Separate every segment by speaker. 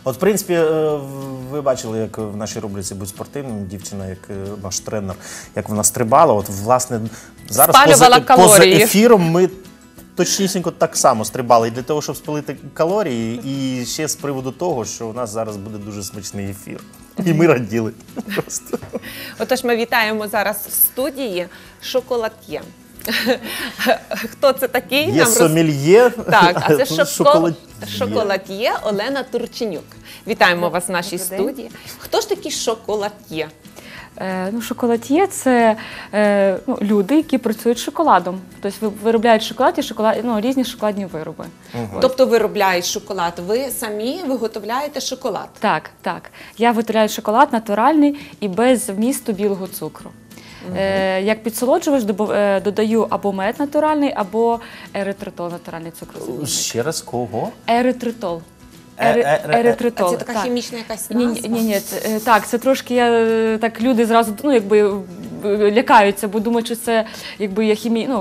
Speaker 1: От, в принципі, ви бачили, як в нашій рубриці «Будь спортивним» дівчина, як наш тренер, як вона стрибала. От, власне, зараз поза ефіром ми точнісінько так само стрибали. І для того, щоб спалити калорії, і ще з приводу того, що у нас зараз буде дуже смачний ефір. І ми раділи. Просто.
Speaker 2: Отож, ми вітаємо зараз в студії шоколад'є. Хто це такий?
Speaker 1: Є сомельє.
Speaker 2: Так, а це шоколад'є Олена Турченюк. Вітаємо вас в нашій студії. Хто ж такий шоколад'є?
Speaker 3: Шоколад'є – це люди, які працюють з шоколадом. Тобто виробляють шоколад і різні шоколадні вироби.
Speaker 2: Тобто виробляють шоколад. Ви самі виготовляєте шоколад?
Speaker 3: Так, так. Я виготовляю шоколад натуральний і без вмісту білого цукру. Як підсолоджувач додаю або мед натуральний, або еритритол натуральний цукрозамінник.
Speaker 1: Ще раз, кого?
Speaker 3: Еритритол.
Speaker 2: Еритритол. А це така хімічна якась назва?
Speaker 3: Ні, так, це трошки, так люди зразу, лякаються, бо думають, що це, є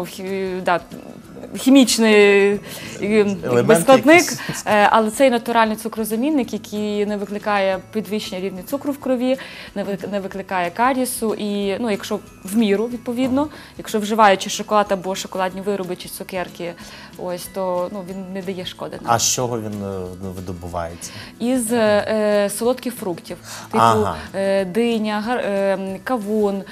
Speaker 3: хімічний складник, але це натуральний цукрозамінник, який не викликає підвищення рівня цукру в крові, не викликає карісу і, якщо в міру, відповідно, якщо вживаючи шоколад або шоколадні вироби чи цукерки, то він не дає шкоди.
Speaker 1: А з чого він видобувається?
Speaker 3: Із солодких фруктів, типу диня, кавун,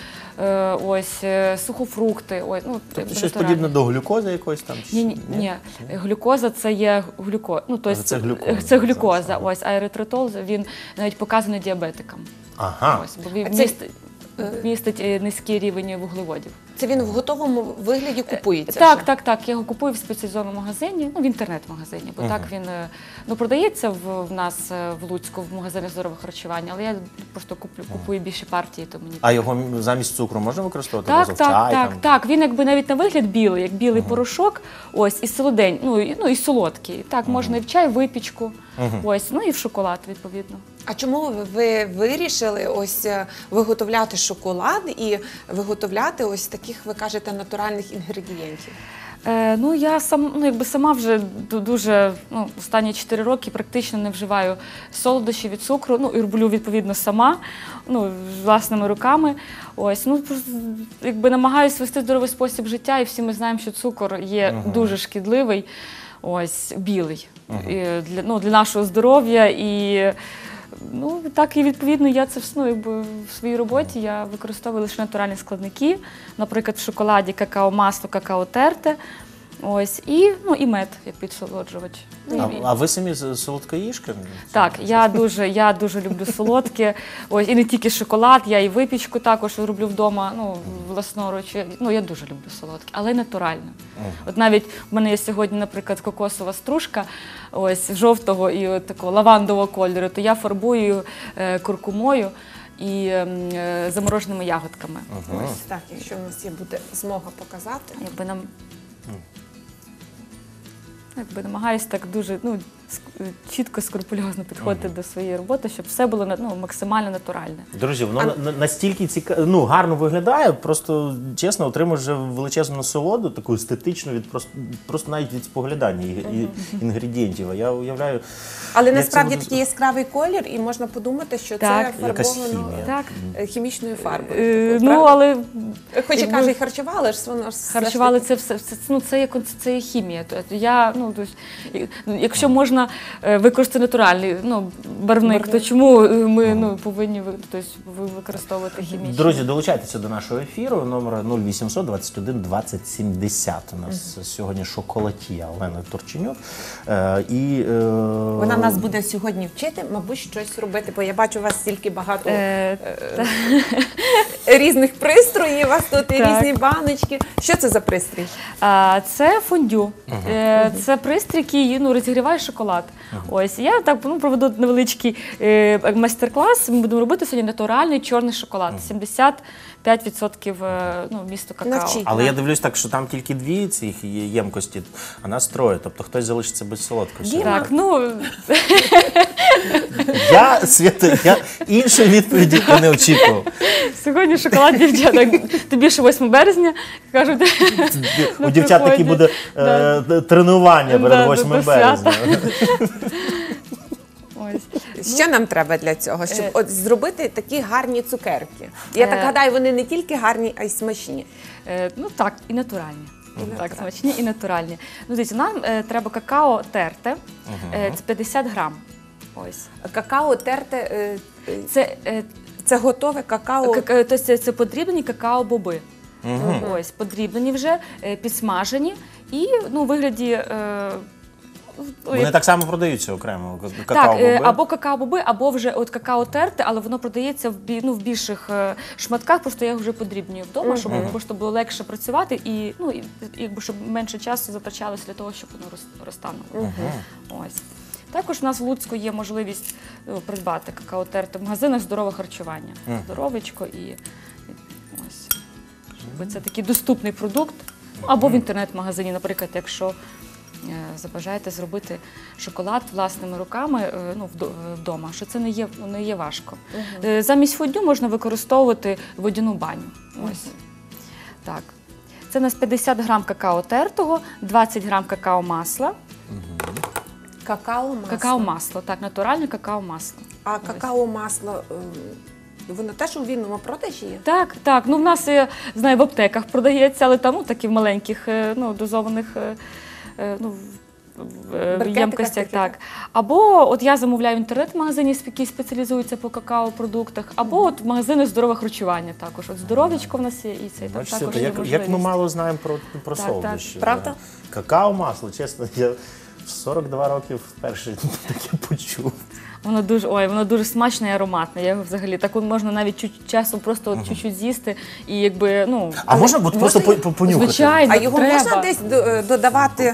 Speaker 3: сухофрукти.
Speaker 1: Тобто щось подібне до глюкози якоїсь там?
Speaker 3: Ні. Глюкоза – це є глюкоза. Це глюкоза. А еритритол, він навіть показаний діабетикам. Бо він містить низький рівень вуглеводів.
Speaker 2: Це він в готовому вигляді купується?
Speaker 3: Так. Я його купую в спеціалізованому магазині, в інтернет-магазині, бо так він продається в нас в Луцьку, в магазині здорового харчування, але я просто купую більші партії.
Speaker 1: А його замість цукру можна використовувати?
Speaker 3: Так. Він навіть на вигляд білий, як білий порошок, і солодень, і солодкий. Так, можна і в чай, випічку, і в шоколад, відповідно.
Speaker 2: А чому ви вирішили виготовляти шоколад і виготовляти таких, ви кажете, натуральних інгредієнтів?
Speaker 3: Я сама вже дуже, останні 4 роки практично не вживаю солодощі від цукру, і роблю, відповідно, сама, власними руками. Намагаюся вести здоровий спосіб життя, і всі ми знаємо, що цукор є дуже шкідливий, білий, для нашого здоров'я. І так, і відповідно я це в своїй роботі я використовую лише натуральні складники, наприклад, в шоколаді какао-масло, какао-терте, і мед як підсолоджувач.
Speaker 1: А ви самі солодкоїжка?
Speaker 3: Так, я дуже люблю солодке, і не тільки шоколад, я і випічку також роблю вдома, власноруч. Я дуже люблю солодке, але й натурально. От навіть в мене є сьогодні, наприклад, кокосова стружка, жовтого і такого лавандового кольору, то я фарбую куркумою і замороженими ягодками.
Speaker 2: Так, якщо в нас буде змога показати.
Speaker 3: Намагаюся так дуже чітко, скрупульозно підходити до своєї роботи, щоб все було максимально натуральне.
Speaker 1: Друзі, воно настільки цікаво, гарно виглядає, просто, чесно, отримуєш вже величезну насолоду, таку естетичну, просто навіть від споглядання інгредієнтів. Я уявляю...
Speaker 2: Але насправді такий яскравий колір, і можна подумати, що це фарбовано хімічною фарбою.
Speaker 3: Але...
Speaker 2: Хоч і каже, і харчували, але ж воно...
Speaker 3: Харчували це є хімія. Якщо можна використати натуральний барвник, то чому ми повинні використовувати хімічний?
Speaker 1: Друзі, долучайтеся до нашого ефіру. Номер 0800 21 20 70. У нас сьогодні шоколад'є Олена Турченюк.
Speaker 2: Вона нас буде сьогодні вчити, мабуть, щось робити, бо я бачу у вас стільки багато різних пристроїв, у вас тут і різні баночки. Що це за пристрій?
Speaker 3: Це фондю. Це пристрій, який розігріває шоколад. Я так проведу невеличкий майстер-клас. Ми будемо робити сьогодні натуральний чорний шоколад. 75% вмісту какао.
Speaker 1: Але я дивлюсь так, що там тільки 2 цих ємкості, а нас 3. Тобто хтось залишиться без солодкості.
Speaker 3: Так,
Speaker 1: Я іншої відповіді не очікував.
Speaker 3: Сьогодні шоколад, дівчата. Тобі ще 8 березня. Кажуть,
Speaker 1: у дівчат такі буде тренування перед 8 березня.
Speaker 2: Що нам треба для цього, щоб от зробити такі гарні цукерки? Я так гадаю, вони не тільки гарні, а й смачні.
Speaker 3: Ну так, і натуральні. Так, смачні і натуральні. Ну, дивіться, нам треба какао терте, це 50 грам. Ось.
Speaker 2: Какао терте,
Speaker 3: Це,
Speaker 2: це готове какао?
Speaker 3: тобто це подрібнені какао-боби. Ось, подрібнені вже, підсмажені і ну, у вигляді...
Speaker 1: Вони так само продаються окремо,
Speaker 3: Так,
Speaker 1: какао-боби?
Speaker 3: або какао-боби, або вже от какао терте, але воно продається в більших шматках, просто я їх вже подрібнюю вдома, щоб просто було легше працювати і, ну, якби, щоб менше часу затрачалося для того, щоб воно розтануло. Ось. Також у нас в Луцьку є можливість придбати какао терте в магазинах здорове харчування. Здоровечко і ось. Це такий доступний продукт. Або в інтернет-магазині, наприклад, якщо забажаєте зробити шоколад власними руками ну, вдома, що це не є важко. Замість фондю можна використовувати водяну баню. Ось. Так. Це у нас 50 грам какао тертого, 20 грам какао-масла.
Speaker 2: Какао-масло?
Speaker 3: Какао-масло, так, натуральне какао-масло.
Speaker 2: А какао-масло, воно теж у вільному продажі є?
Speaker 3: Так, так. Ну, в нас, я знаю, в аптеках продається, але там, ну, такі в маленьких, ну, дозованих, ну, в ємкостях, так. Або от я замовляю в інтернет-магазині, які спеціалізуються по какао-продуктах, або от в магазини здорове харчування також. От здоров'ячко в нас є, і це там також є можливість.
Speaker 1: Як ми мало знаємо про солодощі.
Speaker 2: Правда?
Speaker 1: Какао-масло, чесно, я в 42 роки вперше таке почув.
Speaker 3: Воно дуже смачне і ароматне. Я його взагалі так можна навіть часом просто чуть-чуть з'їсти і якби, ну...
Speaker 1: А можна просто понюхати?
Speaker 3: Звичайно,
Speaker 2: а його
Speaker 3: треба.
Speaker 2: Можна десь додавати?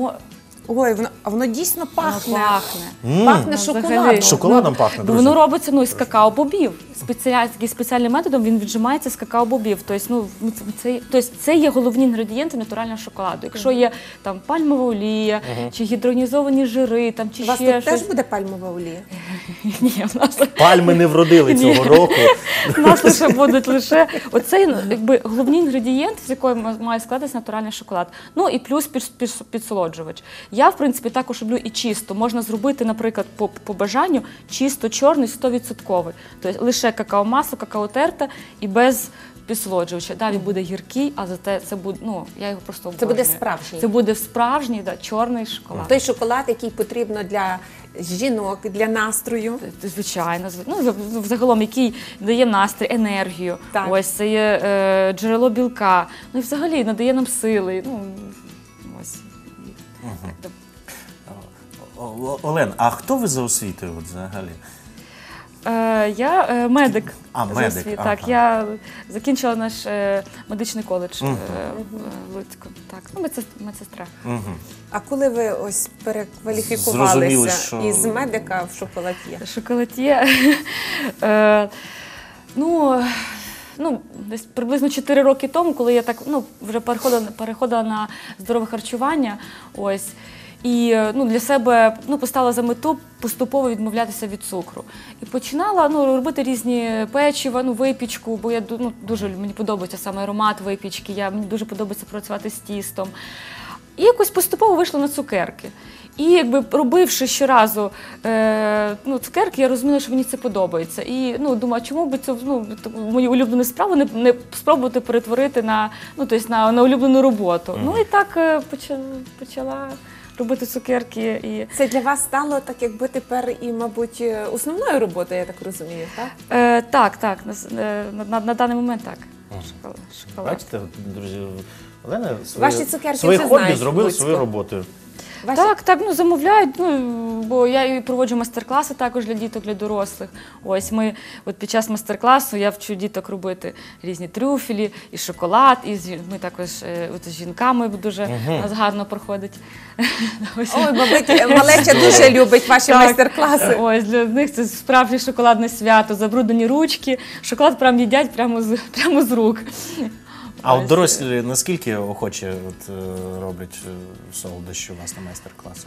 Speaker 2: Ой, воно дійсно пахне.
Speaker 3: Воно пахне.
Speaker 2: Пахне шоколадом.
Speaker 1: Шоколадом пахне, друзі.
Speaker 3: Воно робиться ну, із какао-бобів. Спеціальним методом він віджимається з какао-бобів. Тобто, ну, це є головні інгредієнти натурального шоколаду. Якщо є там пальмова олія, чи гідронізовані жири, там, чи
Speaker 2: У вас
Speaker 3: ще
Speaker 2: тут
Speaker 3: щось.
Speaker 2: теж буде пальмова олія?
Speaker 3: Ні, в нас...
Speaker 1: Пальми не вродили цього року.
Speaker 3: У нас лише будуть оцей якби, головний інгредієнт, з якого має складатися натуральний шоколад. Ну і плюс підсолоджувач. Я, в принципі, також люблю і чисто. Можна зробити, наприклад, по бажанню чисто чорний 100%. Тобто лише какао-масло, какао-терта і без підсолоджувача. Да, він буде гіркий, а зате це буде, ну, я його просто обожнюю.
Speaker 2: Це буде справжній?
Speaker 3: Це буде справжній, да, чорний шоколад.
Speaker 2: Той шоколад, який потрібно для жінок, для настрою.
Speaker 3: Звичайно. Ну, взагалом, який дає настрій, енергію.
Speaker 2: Так.
Speaker 3: Ось, це є джерело білка. Ну і взагалі надає нам сили. Ну, ось. Так,
Speaker 1: Олен, а хто ви за освітою от, взагалі?
Speaker 3: Я медик.
Speaker 1: А,
Speaker 3: за
Speaker 1: медик,
Speaker 3: освітою.
Speaker 1: ага.
Speaker 3: Так, я закінчила наш медичний коледж в Луцьку. Так, ну, медсестра.
Speaker 2: А коли ви ось
Speaker 1: Зрозуміли,
Speaker 2: перекваліфікувалися
Speaker 1: що-
Speaker 2: із медика в шоколад'є?
Speaker 3: Шоколад'є. Ну, десь приблизно 4 роки тому, коли я так, ну, вже переходила на здорове харчування, ось, і ну, для себе ну, поставила за мету поступово відмовлятися від цукру. І починала ну, робити різні печива, ну, випічку, бо я ну, дуже, мені подобається саме аромат випічки, мені дуже подобається працювати з тістом. І якось поступово вийшла на цукерки. І якби робивши щоразу ну, цукерки, я розуміла, що мені це подобається. І ну, думаю, чому б цю мою улюблену справу не спробувати перетворити на, ну, тобто на улюблену роботу. Ну і так почала робити цукерки. І...
Speaker 2: Це для вас стало так, якби тепер і, мабуть, основною роботою, я так розумію, так?
Speaker 3: Так. На даний момент так. Шоколад.
Speaker 1: Бачите, друзі, Олена
Speaker 2: Ваші цукерки
Speaker 1: свої
Speaker 2: вже
Speaker 1: хобі
Speaker 2: знають
Speaker 1: зробили
Speaker 2: Луцьку.
Speaker 1: свою роботою.
Speaker 3: Так, ну замовляють, ну, бо я і проводжу майстер-класи також для діток, для дорослих. Ось ми, от під час майстер-класу я вчу діток робити різні трюфелі, і шоколад, і ми також от, з жінками дуже у нас гарно проходить.
Speaker 2: Ой, мабуть, малеча дуже любить ваші майстер-класи.
Speaker 3: Ось, для них це справжнє шоколадне свято, забруднені ручки, шоколад прям їдять прямо з рук.
Speaker 1: А от дорослі наскільки охоче от, роблять солодощі у вас на майстер-класах?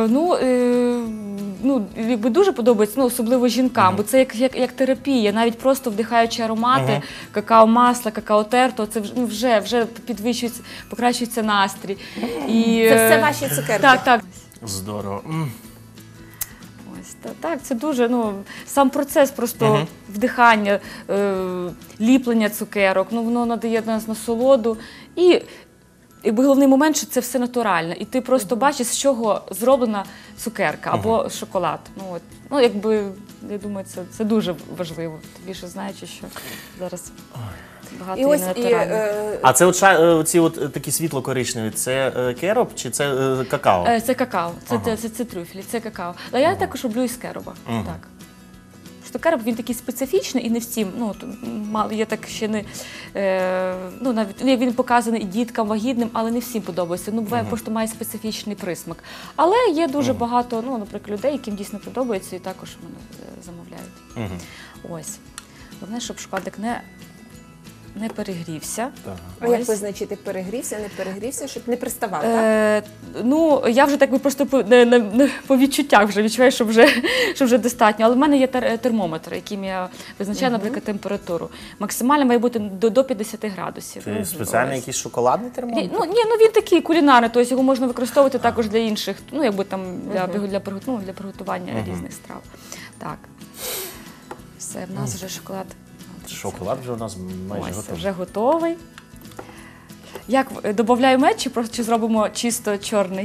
Speaker 3: Ну, якби дуже подобається, ну, особливо жінкам, бо це як терапія, навіть просто вдихаючи аромати, какао-масла, какао-терто, це вже підвищується, покращується настрій. І,
Speaker 2: Це все ваші цукерки?
Speaker 3: Так.
Speaker 1: Здорово.
Speaker 3: Ось, так, це дуже, сам процес просто вдихання, ліплення цукерок, воно надає нас насолоду. І головний момент, що це все натуральне. І ти просто бачиш, з чого зроблена цукерка або шоколад. Я думаю, це дуже важливо. Тим більше знаючи, що зараз багато є натуральних.
Speaker 1: А це оці такі світло-коричневі, це кероб чи це какао?
Speaker 3: Це какао, це трюфелі, це какао. Але я також роблю із кероба. Так. Що кероб, він такий специфічний і не всім, я так ще не, навіть він показаний і діткам, вагітним, але не всім подобається. Буває, просто має специфічний присмак. Але є дуже багато, наприклад, людей, яким дійсно подобається, і також мене замовляють. Ось. Головне, щоб шоколадик не перегрівся.
Speaker 2: А як визначити, перегрівся, не перегрівся, щоб не приставав, так?
Speaker 3: Я вже так просто по відчуттях вже відчуваю, що вже достатньо. Але в мене є термометр, яким я визначаю, наприклад, температуру. Максимально має бути до 50 градусів.
Speaker 1: Це спеціальний якийсь шоколадний термометр?
Speaker 3: Він такий кулінарний, тобто його можна використовувати також для інших, для приготування різних страв. Так. Все, в нас вже шоколад.
Speaker 1: Шоколад вже у нас майже готовий.
Speaker 3: Вже готовий. Як, додаю мед чи зробимо чисто чорний?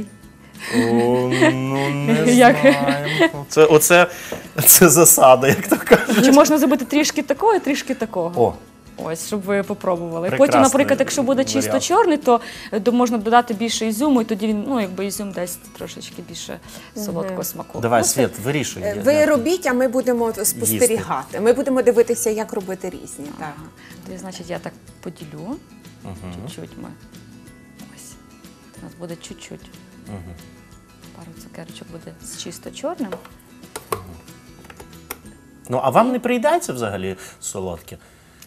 Speaker 1: Не знаємо. Це засада, як то кажуть.
Speaker 3: Чи можна зробити трішки такого і трішки такого? Ось, щоб ви попробували. Потім, наприклад, якщо буде чисто чорний, то можна додати більше ізюму, і тоді він, ізюм дасть трошечки більше солодкого смаку.
Speaker 1: Давай, Світ, вирішуй.
Speaker 2: Ви робіть, а ми будемо спостерігати. Ми будемо дивитися, як робити різні.
Speaker 3: Тоді, значить, я так поділю. Чуть-чуть ми. Ось. У нас буде чуть-чуть. Пару цукерочок буде з чисто чорним.
Speaker 1: А вам не приїдається взагалі солодке?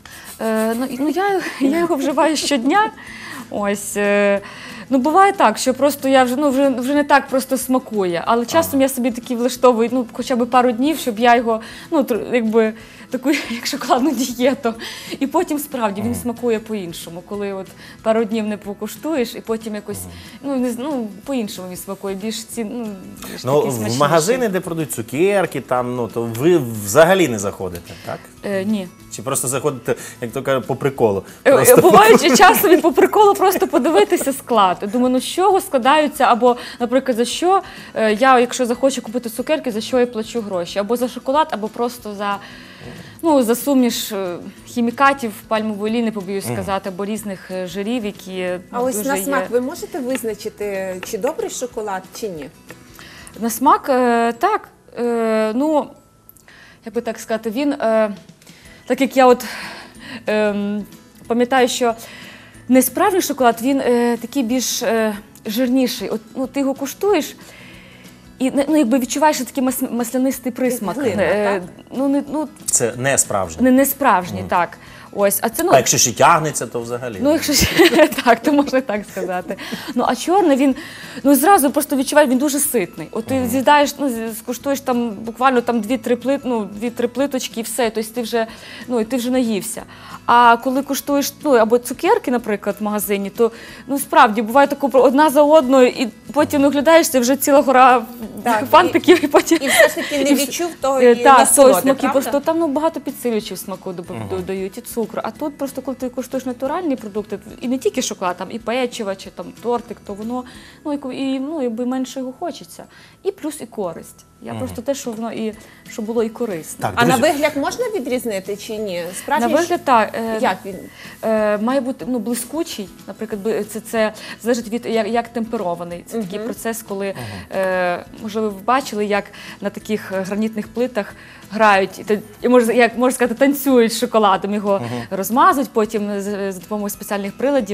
Speaker 3: Я його вживаю щодня. Ось. Буває так, що просто я вже не так просто смакує, але часом я собі такі влаштовую, хоча б пару днів, щоб я його, таку, як шоколадну дієту. І потім, справді, він смакує по-іншому, коли пару днів не покуштуєш, і потім якось, по-іншому він смакує, більш
Speaker 1: в магазини, де продають цукерки, то ви взагалі не заходите, так?
Speaker 3: Ні.
Speaker 1: Чи просто заходите, як то кажуть, по приколу?
Speaker 3: Бувають часом і по приколу просто подивитися склад. Думаю, з чого складаються, або, наприклад, за що я, якщо захочу купити цукерки, за що я плачу гроші? Або за шоколад, або просто за суміш хімікатів, пальмової олії, не побоюсь сказати, або різних жирів, які
Speaker 2: А ось на смак ви можете визначити, чи добрий шоколад, чи ні?
Speaker 3: На смак, так. Як би так сказати, він, так як я пам'ятаю, що не справжній шоколад, він такий більш жирніший. Ти його куштуєш і відчуваєш такий маслянистий присмак.
Speaker 1: Це не справжній?
Speaker 3: Не справжній, так. Ось,
Speaker 1: а якщо ще тягнеться, то взагалі?
Speaker 3: Якщо ще, так, то можна так сказати. А чорний, він, зразу просто відчуваєш, він дуже ситний. Ти з'їдаєш, скуштуєш там буквально 2-3 плиточки і все, тобто ти вже наївся. А коли куштуєш, або цукерки, наприклад, в магазині, то, справді, буває тако одна за одною, і потім оглядаєшся, вже ціла гора фантиків, і потім...
Speaker 2: І все ж таки не відчув тої насолоди,
Speaker 3: смаки, просто там багато підсилювачів смаку додають, і цукру. А тут просто, коли ти куштуєш натуральні продукти, і не тільки шоколад, там і печиво, чи там тортик, то воно, якби менше його хочеться. І плюс і користь. Я просто те, що воно щоб було і корисно.
Speaker 2: Так, а на вигляд можна відрізнити чи ні?
Speaker 3: На вигляд, так.
Speaker 2: Як він?
Speaker 3: Має бути блискучий, наприклад, це залежить від як темперований. Це такий процес, коли, можливо, ви бачили, як на таких гранітних плитах грають, як можна сказати, танцюють з шоколадом, його розмазують, потім за допомогою спеціальних приладів.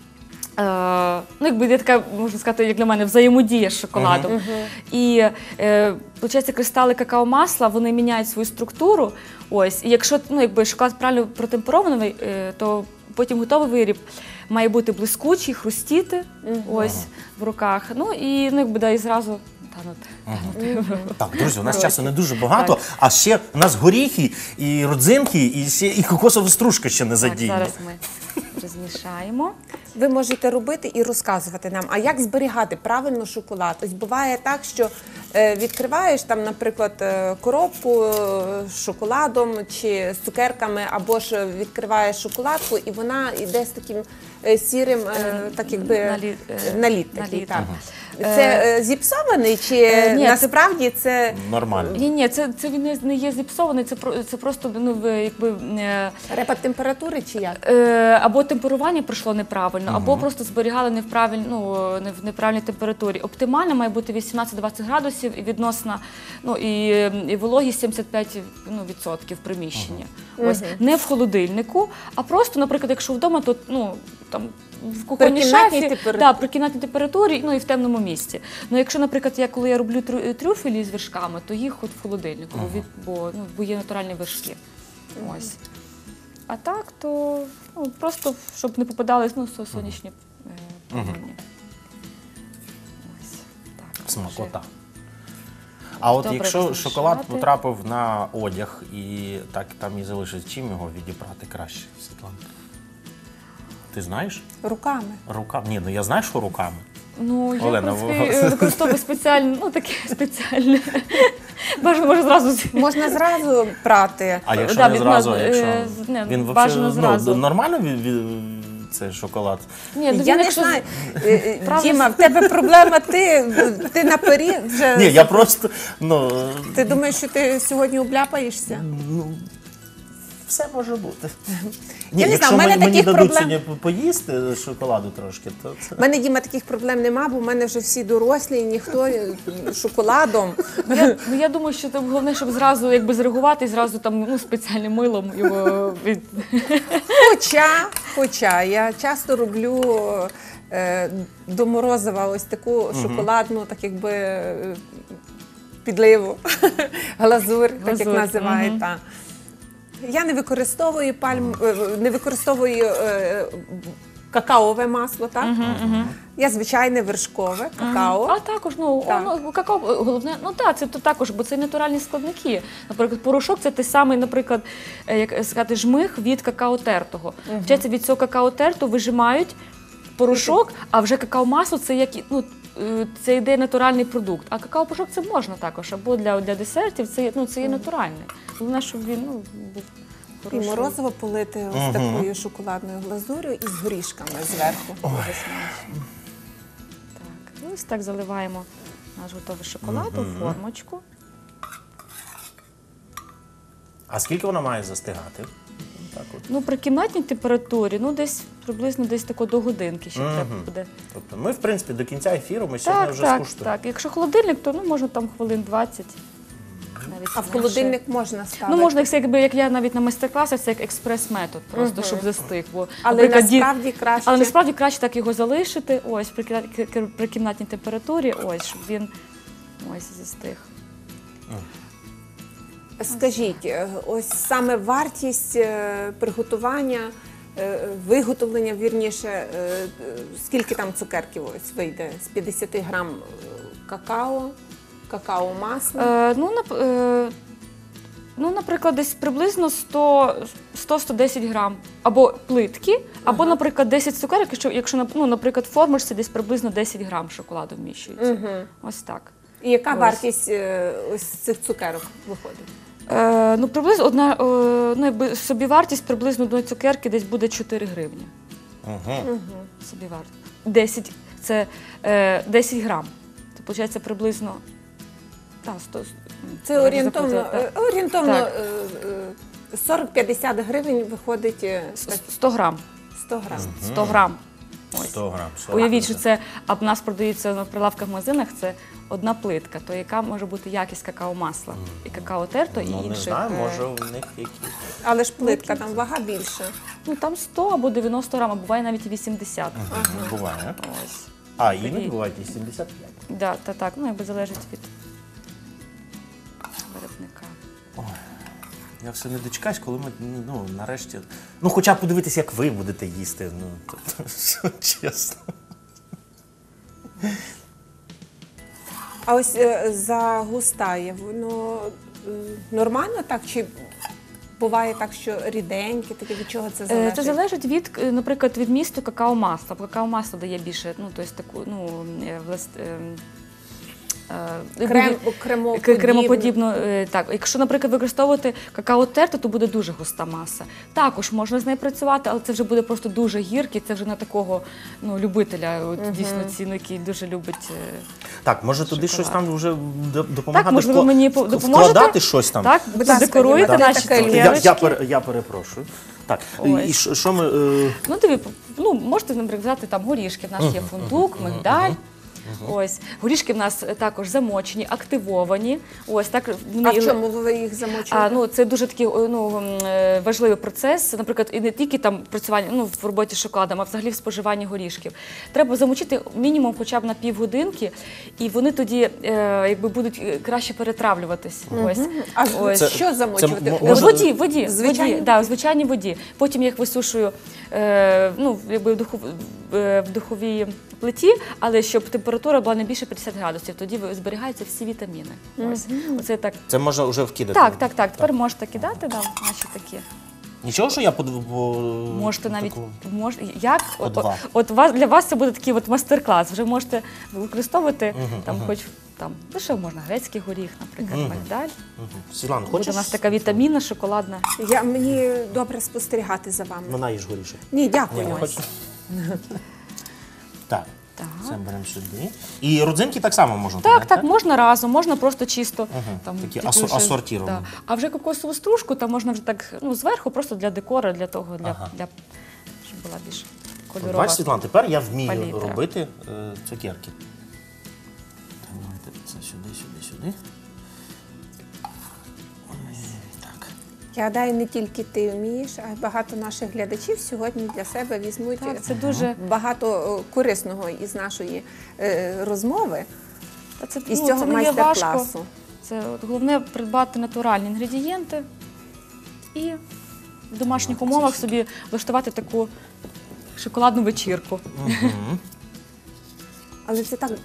Speaker 3: Є така, можна сказати, як для мене, взаємодія з шоколадом. І, виходить, кристали какао-масла, вони міняють свою структуру. Ось, і якщо шоколад правильно протемперований, то потім готовий виріб має бути блискучий, хрустіти в руках. І зразу танути.
Speaker 1: Так, друзі, у нас часу не дуже багато, а ще у нас горіхи, і родзинки, і кокосова стружка ще не задіяна.
Speaker 3: Зараз ми розмішаємо.
Speaker 2: Ви можете робити і розказувати нам, а як зберігати правильно шоколад? Ось буває так, що відкриваєш там, наприклад, коробку з шоколадом чи з цукерками, або ж відкриваєш шоколадку, і вона йде з таким сірим, так якби наліт такий. Так. Це зіпсований чи
Speaker 3: Ні,
Speaker 2: насправді це
Speaker 1: Нормально.
Speaker 3: Ні, це він не є зіпсований, це просто якби
Speaker 2: репад температури чи як?
Speaker 3: або темперування пройшло неправильно, або просто зберігали не в неправильній температурі. Оптимально має бути 18-20 градусів і відносно, і вологість 75% відсотків приміщення. Ось не в холодильнику, а просто, наприклад, якщо вдома, то там в кухонній шафі, при кімнатній температурі, і в темному місці. Ну, якщо, наприклад, коли я роблю трюфелі з вершками, то їх от в холодильнику, бо є натуральні вершки. Ось. А так, то просто, щоб не попадали сонячні промені. Ось. Так,
Speaker 1: Смакота. А от
Speaker 3: добре
Speaker 1: якщо
Speaker 3: розмішати.
Speaker 1: шоколад потрапив на одяг і так там і залишиться, чим його відібрати краще, Світлана? Ти знаєш?
Speaker 2: Руками.
Speaker 1: Руками? Ні, я знаю, що руками.
Speaker 3: Я,
Speaker 1: Олена,
Speaker 3: в принципі, використовую спеціальне, таке спеціальне. Бажано, може, зразу.
Speaker 2: Можна зразу прати.
Speaker 1: А якщо не зразу, він
Speaker 3: бажано зразу.
Speaker 1: Нормально цей шоколад?
Speaker 3: Ні,
Speaker 2: Я не знаю. Діма, в тебе проблема, ти наперед вже.
Speaker 1: Ні, я просто,
Speaker 2: Ти думаєш, що ти сьогодні обляпаєшся?
Speaker 1: все може бути.
Speaker 2: Я не знаю,
Speaker 1: якщо
Speaker 2: в мене
Speaker 1: мені
Speaker 2: таких
Speaker 1: дадуть
Speaker 2: проблем-
Speaker 1: сьогодні поїсти шоколаду трошки, то це...
Speaker 2: У мене, Діма, таких проблем нема, бо в мене вже всі дорослі, і ніхто шоколадом.
Speaker 3: Я думаю, що це головне, щоб зразу зреагувати і зразу там спеціальним милом його від.
Speaker 2: Хоча я часто роблю до морозива ось таку шоколадну, так якби підливу, глазур, так як називають. Я не використовую какаове масло, так? Я звичайне вершкове какао.
Speaker 3: А також, какао, головне, це також, бо це натуральні складники. Наприклад, порошок – це той самий, наприклад, як сказати, жмих від какао-тертого. Вчаться, від цього какао-терту вижимають порошок, а вже какао-масло – це це йде натуральний продукт. А какао-порошок це можна також, або для десертів, це є натуральне. Головне, щоб він був
Speaker 2: І
Speaker 3: хороший.
Speaker 2: морозиво полити ось такою шоколадною глазур'ю і з горішками зверху.
Speaker 3: Так, ось так заливаємо наш готовий шоколад у формочку.
Speaker 1: А скільки вона має застигати? Так от.
Speaker 3: При кімнатній температурі, десь приблизно до годинки ще треба буде.
Speaker 1: Тобто ми, в принципі, до кінця ефіру ми сьогодні вже скуштуємо.
Speaker 3: Так. Якщо холодильник, то можна там хвилин 20. Навіть
Speaker 2: А в холодильник можна ставити?
Speaker 3: Можна, як я навіть на майстер-класах, це як експрес-метод, просто щоб застиг. Бо,
Speaker 2: Але насправді краще.
Speaker 3: Але насправді краще так його залишити, при кімнатній температурі, щоб він застиг.
Speaker 2: Скажіть, ось саме вартість приготування, виготовлення, вірніше, скільки там цукерків ось вийде? З 50 грам какао-масла?
Speaker 3: Наприклад, десь приблизно 100-110 грам. Або плитки, або, наприклад, 10 цукерок, якщо, наприклад, в формочці десь приблизно 10 грам шоколаду вміщується. Ось так.
Speaker 2: І яка вартість ось цих цукерок виходить?
Speaker 3: Приблизно собівартість приблизно одної цукерки десь буде 4 гривні. Собівартість. 10 грам. Це, виходить, приблизно...
Speaker 2: Це орієнтовно 40-50 гривень виходить...
Speaker 3: 100 грам.
Speaker 2: 100 грам.
Speaker 3: 100 грам.
Speaker 1: 100 грам.
Speaker 3: Уявіть, що це, а в нас продається на прилавках в магазинах, це одна плитка, то яка може бути якість какао-масла. І какао-терто, і інших.
Speaker 1: Не знаю, може у них які.
Speaker 2: Але ж плитка, там вага більше.
Speaker 3: Там 100 або 90 грам, а буває навіть і 80.
Speaker 1: Буває.
Speaker 3: Ось.
Speaker 1: А, іноді бувають і 75.
Speaker 3: Так, залежить від виробника.
Speaker 1: Я все не дочекаюсь, коли ми, нарешті... хоча б подивитися, як ви будете їсти, чесно.
Speaker 2: А ось загустає, воно нормально так? Чи буває так, що ріденьке, таке, від чого це залежить?
Speaker 3: Це залежить від, наприклад, від місту какао-масла. Какао-масло дає більше, кремоподібну. Так, якщо, наприклад, використовувати какао-терту, то буде дуже густа маса. Також можна з нею працювати, але це вже буде просто дуже гіркий, це вже на такого любителя, дійсно ціну, який дуже любить.
Speaker 1: Так, може туди щось там вже допомагати?
Speaker 3: Так, можливо, мені допоможете?
Speaker 1: Вкладати щось там?
Speaker 3: Так, декоруйте наші цукерочки.
Speaker 1: Я перепрошую. Так,
Speaker 3: Ось.
Speaker 1: і що ми...
Speaker 3: Можете, наприклад, взяти там горішки. В нас є фундук, мигдаль. Ось. Горішки в нас також замочені, активовані. Ось, так,
Speaker 2: А в чому ви їх замочуєте?
Speaker 3: Це дуже такий важливий процес, наприклад, і не тільки там працювання в роботі з шоколадом, а взагалі в споживанні горішків. Треба замочити мінімум хоча б на півгодинки, і вони тоді будуть краще перетравлюватись. Ось.
Speaker 2: Що замочувати?
Speaker 3: В воді.
Speaker 2: Звичайно?
Speaker 3: В звичайній воді. Потім я їх висушую в духовій плиті, але щоб температура була не більше 50 градусів, тоді зберігаються всі вітаміни. Оце так.
Speaker 1: Це можна вже вкидати?
Speaker 3: Так. Тепер можете кидати, наші такі.
Speaker 1: Нічого, що я
Speaker 3: можете навіть для вас це буде такий мастер-клас. Вже можете використовувати що можна, грецький горіх, наприклад, мигдаль.
Speaker 1: Світлана,
Speaker 3: Буде
Speaker 1: хочеш?
Speaker 3: у нас така вітамінна, шоколадна.
Speaker 2: Мені добре спостерігати за вами.
Speaker 1: Вона їж горішок.
Speaker 2: Ні, дякую.
Speaker 1: Так, це беремо сюди. І родзинки так само можна?
Speaker 3: Так, можна разом, можна просто чисто.
Speaker 1: Такі асортіровані.
Speaker 3: А вже кокосову стружку там можна вже так зверху, просто для декора, для того, щоб була більш кольорова.
Speaker 1: Бачиш, Світлана, тепер я вмію
Speaker 3: палітра.
Speaker 1: робити цукерки. Давайте це сюди. Так.
Speaker 2: Я гадаю, не тільки ти вмієш, а й багато наших глядачів сьогодні для себе візьмуть
Speaker 3: Це дуже
Speaker 2: багато корисного із нашої розмови, із
Speaker 3: це
Speaker 2: цього
Speaker 3: не є важко.
Speaker 2: майстер-класу.
Speaker 3: Це головне придбати натуральні інгредієнти і в домашніх умовах собі влаштувати таку шоколадну вечірку.
Speaker 2: Але це так.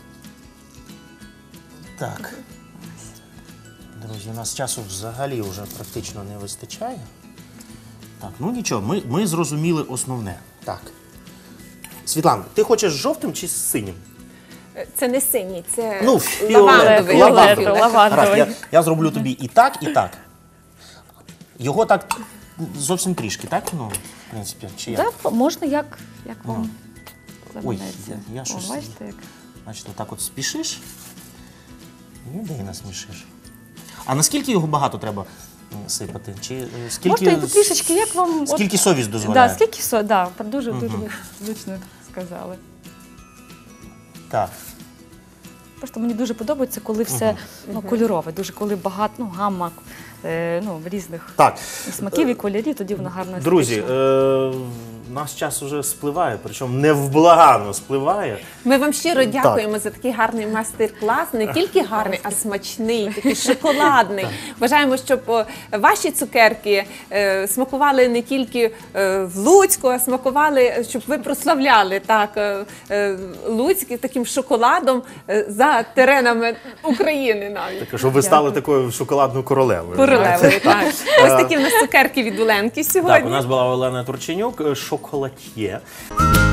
Speaker 1: Так. Друзі, у нас часу взагалі вже практично не вистачає. Так, нічого, ми зрозуміли основне. Так. Світлана, ти хочеш з жовтим чи з синім?
Speaker 2: Це не синій, це
Speaker 1: лавандовий.
Speaker 3: Лавандовий.
Speaker 1: Я зроблю тобі і так, і так. Його так зовсім трішки, так? В принципі, чи як?
Speaker 3: Так, можна як вам
Speaker 1: Ой,
Speaker 3: заманеться.
Speaker 1: я щось...
Speaker 3: Бачите, як?
Speaker 1: Значить, отак от спішиш і ніде насмішиш. А наскільки його багато треба сипати? Чи скільки,
Speaker 3: Можете трішечки, як вам...
Speaker 1: Скільки совість дозволяє?
Speaker 3: Дуже влучно сказали.
Speaker 1: Так.
Speaker 3: Просто мені дуже подобається, коли все кольорове, дуже коли багато, гамма різних смаків і кольорів, тоді воно гарно естетично.
Speaker 1: Друзі, наш час вже спливає, причому невблаганно спливає.
Speaker 2: Ми вам щиро дякуємо за такий гарний майстер-клас. Не тільки гарний, а смачний, такий шоколадний. Бажаємо, щоб ваші цукерки смакували не тільки в Луцьку, а смакували, щоб ви прославляли Луцьк таким шоколадом за теренами України навіть.
Speaker 1: Так, щоб ви стали такою шоколадною королевою.
Speaker 2: Королевою, так. Ось такі в нас цукерки від Оленки сьогодні.
Speaker 1: Так, у нас була Олена Турченюк, шоколад'є.